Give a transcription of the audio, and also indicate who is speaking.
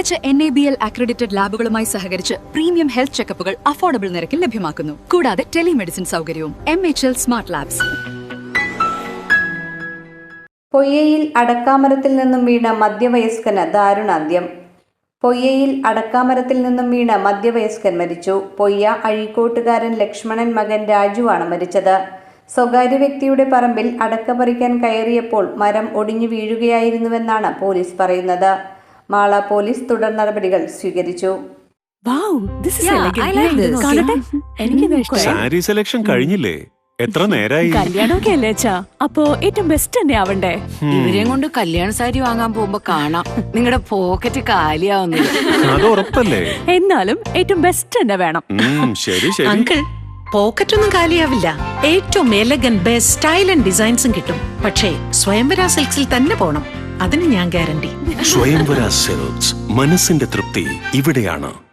Speaker 1: മികച്ച NABL accredited ലാബുകളുമായി സഹകരിച്ച് premium health ചെക്കപ്പുകൾ affordable നിരക്കിൽ ലഭ്യമാക്കുന്നു. കൂടാതെ ടെലിമെഡിസിൻ സൗകര്യവും. MHL smart labs.
Speaker 2: പൊയ്യയിൽ അടക്കാമരത്തിൽ നിന്നും വീണ മധ്യവയസ്കന് ദാരുണാന്ത്യം. പൊയ്യയിൽ അടക്കാമരത്തിൽ നിന്നും വീണ മധ്യവയസ്കൻ മരിച്ചു. പൊയ്യ അഴീക്കോട്ടുകാരൻ ലക്ഷ്മണൻ മകൻ രാജുവാണ് മരിച്ചത്. സ്വകാര്യ വ്യക്തിയുടെ പറമ്പിൽ അടക്ക പറിക്കാൻ കയറിയപ്പോൾ മരം ഒടിഞ്ഞു വീഴുകയായിരുന്നുവെന്നാണ് പോലീസ് പറയുന്നത്. മാള പോലീസ് തുടർ നടപടികൾ സ്വീകരിച്ചു.
Speaker 3: സാരി സെലക്ഷൻ കഴിഞ്ഞില്ലേ? എത്ര നേരായി?
Speaker 4: കല്യാണമൊക്കെ അല്ലേ അച്ഛാ, അപ്പോ ഏറ്റവും ബെസ്റ്റ് തന്നെ ആവണ്ടേ?
Speaker 5: ഇവരെയും കൊണ്ട് കല്യാണ സാരി വാങ്ങാൻ പോകുമ്പോ കാണാം നിങ്ങളുടെ പോക്കറ്റ് കാലിയാവുന്നത്.
Speaker 3: അത് ഉറപ്പല്ലേ?
Speaker 4: എന്നാലും ഏറ്റവും ബെസ്റ്റ് തന്നെ വേണം.
Speaker 3: ശരി ശരി.
Speaker 6: അങ്കിൾ, പോക്കറ്റ് ഒന്നും കാലിയാവില്ല. ഏറ്റവും എലഗൻ ബെസ്റ്റ് സ്റ്റൈൽ ആൻഡ് ഡിസൈൻസും കിട്ടും. പക്ഷേ സ്വയംവര സിൽക്സിൽ തന്നെ പോണം, അതിന് ഞാൻ ഗ്യാരണ്ടി.
Speaker 3: സ്വയംവര സിൽക്സ്, മനസ്സിന്റെ തൃപ്തി ഇവിടെയാണ്.